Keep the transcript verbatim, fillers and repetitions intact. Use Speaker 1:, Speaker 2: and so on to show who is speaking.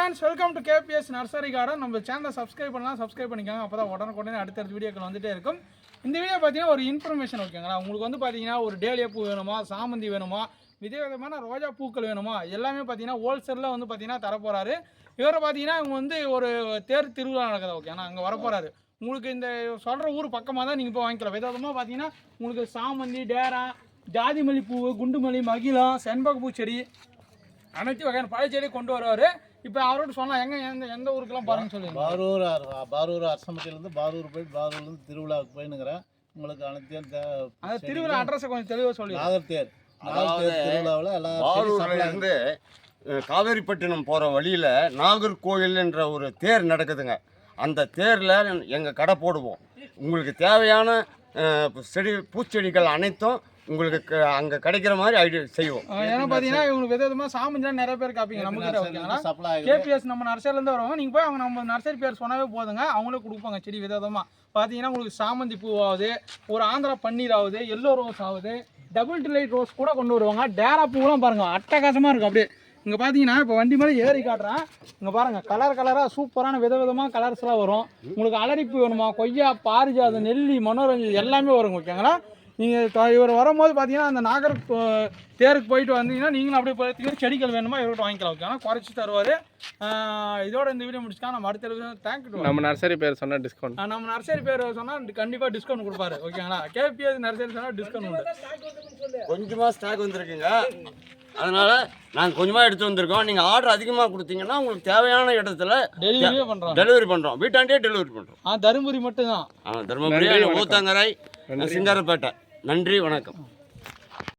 Speaker 1: Friends, welcome to KBS nursery garden. நம்ம சேனலை subscribe பண்ணலாம், சப்ஸ்கிரைப் பண்ணிக்கோங்க. அப்போ தான் உடனுக்குடனே அடுத்தடுத்த வீடியோக்கள் வந்துட்டே இருக்கும். இந்த வீடியோ பார்த்தீங்கன்னா ஒரு இன்ஃபர்மேஷன் ஓகேங்களா. உங்களுக்கு வந்து பார்த்தீங்கன்னா ஒரு டேலியா பூ வேணுமா, சாமந்தி வேணுமா, விதவிதமான ரோஜா பூக்கள் வேணுமா, எல்லாமே பார்த்தீங்கன்னா ஹோல்சேலில் வந்து பார்த்தீங்கன்னா தரப்போகிறாரு. இவரை பார்த்தீங்கன்னா இவங்க வந்து ஒரு தேர் திருவிழா நடக்குது ஓகேண்ணா, அங்கே வரப்போகிறாரு. உங்களுக்கு இந்த சொல்கிற ஊர் பக்கமாக தான் நீங்கள் போய் வாங்கிக்கலாம். விதவிதமாக பார்த்தீங்கன்னா உங்களுக்கு சாமந்தி, டேரா, ஜாதி மல்லிப்பூ, குண்டுமல்லி, மகிழம், செண்பக பூச்செடி, அனைத்து வகையான பழச்செடி கொண்டு வருவார். இப்போ அவரோட சொன்னால் எங்கே எந்த எந்த ஊருக்கெல்லாம் பாருங்க சொல்லுங்கள்.
Speaker 2: பாரூர் பாரூர் அரசமட்டிலேருந்து பாரூர் போயிட்டு பாரூர்லேருந்து திருவிழாவுக்கு போயினுங்கிறேன். உங்களுக்கு அனைத்தையும்
Speaker 1: அந்த திருவிழா அட்ரஸை கொஞ்சம் தெளிவாக சொல்லி.
Speaker 2: நாகர்தேர் நாகர்தேர் திருவிழாவில் எல்லாம்
Speaker 3: பாரூர்லேருந்து காவேரிப்பட்டினம் போகிற வழியில் நாகர்கோயில் என்ற ஒரு தேர் நடக்குதுங்க. அந்த தேரில் எங்கள் கடை போடுவோம். உங்களுக்கு தேவையான செடி பூச்செடிகள் அனைத்தும் உங்களுக்கு அங்கே கிடைக்கிற மாதிரி ஐடியா செய்வோம்.
Speaker 1: ஏன்னா பார்த்தீங்கன்னா இவங்களுக்கு விதவிதமாக சாமந்திலாம் நிறைய பேர் காப்பீங்க. நம்ம ஓகேங்களா, கேபிஎஸ் நம்ம நர்சரிலேருந்து வருவாங்க. நீங்கள் போய் அவங்க நம்ம நர்சரி பேர் சொன்னாவே போதுங்க, அவங்களே கொடுப்பாங்க செடி விதவிதமாக. பார்த்தீங்கன்னா உங்களுக்கு சாமந்தி பூவாகுது, ஒரு ஆந்திரா பன்னீர் ஆகுது, எல்லோ ரோஸ் ஆகுது, டபுள் டிலைட் ரோஸ் கூட கொண்டு வருவாங்க. டேரா பூவெலாம் பாருங்கள் அட்டகாசமாக இருக்கும். அப்படியே இங்கே பார்த்தீங்கன்னா இப்போ வண்டி மேலே ஏறி காட்டுறேன். இங்கே பாருங்கள் கலர் கலராக சூப்பரான விதவிதமாக கலர்ஸ்லாம் வரும். உங்களுக்கு அலரிப்பு வேணுமா, கொய்யா, பாரிஜாதம், நெல்லி, மனோரஞ்சன் எல்லாமே வருங்க ஓகேங்களா. நீங்கள் இவர் வரும்போது பார்த்தீங்கன்னா அந்த நாகர் தேருக்கு போயிட்டு வந்தீங்கன்னா நீங்களும் அப்படியே பார்த்தீங்கன்னா செடிகள் வேணுமா இவர்கிட்ட வாங்கிக்கலாம் ஓகேங்களா, குறைச்சி தருவார். இதோட இந்த வீடியோ முடிச்சுக்கலாம். நம்ம அடுத்த தேங்க்யூ.
Speaker 4: நம்ம நர்சரி பேர் சொன்னால் டிஸ்கவுண்ட்,
Speaker 1: நம்ம நர்சரி பேர் சொன்னால் கண்டிப்பாக டிஸ்கவுண்ட் கொடுப்பாரு ஓகேங்களா. கேபிஎஸ் நர்சரி சொன்னால் டிஸ்கவுண்ட் உண்டு.
Speaker 3: கொஞ்சமாக ஸ்டாக் வந்துருக்குங்க, அதனால் நாங்கள் கொஞ்சமாக எடுத்து வந்திருக்கோம். நீங்கள் ஆர்டர் அதிகமாக கொடுத்தீங்கன்னா உங்களுக்கு தேவையான இடத்துல
Speaker 1: டெலிவரியே பண்ணுறோம்
Speaker 3: டெலிவரி பண்ணுறோம் வீட்டாண்டே டெலிவரி பண்ணுறோம்.
Speaker 1: ஆ தருமபுரி மட்டும்தான்.
Speaker 3: ஆ தருமபுரி, ஊத்தங்கரை, சிங்காரப்பேட்டை. நன்றி, வணக்கம்.